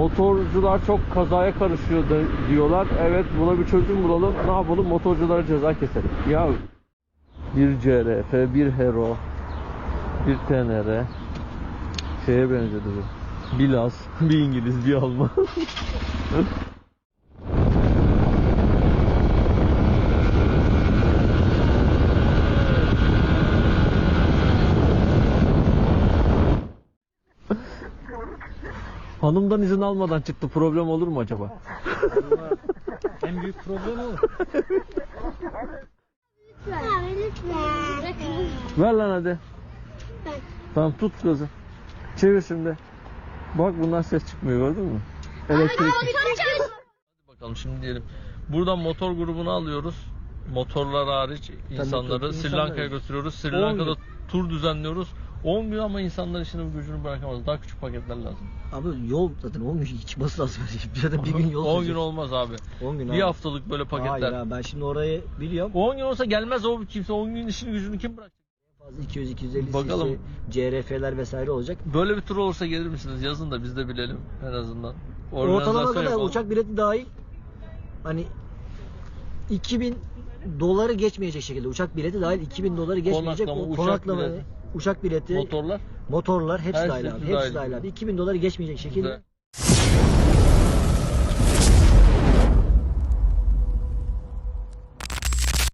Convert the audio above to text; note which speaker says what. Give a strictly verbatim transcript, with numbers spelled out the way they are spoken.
Speaker 1: Motorcular çok kazaya karışıyor da diyorlar. Evet, buna bir çözüm bulalım. Ne yapalım? Motorculara ceza keselim. Ya bir C R F, bir Hero, bir T N R şeye benzedi bu. Bir Laz, bir İngiliz, bir Alman. Hanımdan izin almadan çıktı. Problem olur mu acaba?
Speaker 2: En büyük problem o.
Speaker 1: Ver lan hadi. Tamam, tut gazı. Çevir şimdi. Bak, bundan ses çıkmıyor, gördün mü? Elektrik. Hadi bakalım şimdi diyelim. Buradan motor grubunu alıyoruz. Motorlar hariç insanları Sri Lanka'ya götürüyoruz. Sri Lanka'da tur düzenliyoruz. on gün ama insanlar işini gücünü bırakamaz. Daha küçük paketler lazım.
Speaker 3: Abi yol zaten on gün çıkması lazım. Zaten bir gün yol
Speaker 1: on gün olmaz abi.
Speaker 3: on gün
Speaker 1: bir
Speaker 3: abi.
Speaker 1: haftalık böyle paketler.
Speaker 3: Hayır abi, ben şimdi orayı biliyorum.
Speaker 1: on gün olsa gelmez o kimse. on gün işini gücünü kim bırakacak?
Speaker 3: Fazla iki yüz iki yüz elli
Speaker 1: Bakalım.
Speaker 3: C R F'ler vesaire olacak.
Speaker 1: Böyle bir tur olursa gelir misiniz? Yazın da biz de bilelim en azından.
Speaker 3: Ortalama kadar
Speaker 1: yapalım.
Speaker 3: uçak bileti dahil hani iki bin doları geçmeyecek şekilde, uçak bileti dahil iki bin doları geçmeyecek.
Speaker 1: Konaklama,
Speaker 3: o
Speaker 1: uçak
Speaker 3: konaklama,
Speaker 1: bileti.
Speaker 3: uçak bileti,
Speaker 1: Motorlar.
Speaker 3: motorlar hepsi
Speaker 1: Her
Speaker 3: dahil
Speaker 1: şey
Speaker 3: abi.
Speaker 1: dahil.
Speaker 3: Hepsi dahil abi. iki bin doları geçmeyecek şekilde.
Speaker 1: Güzel.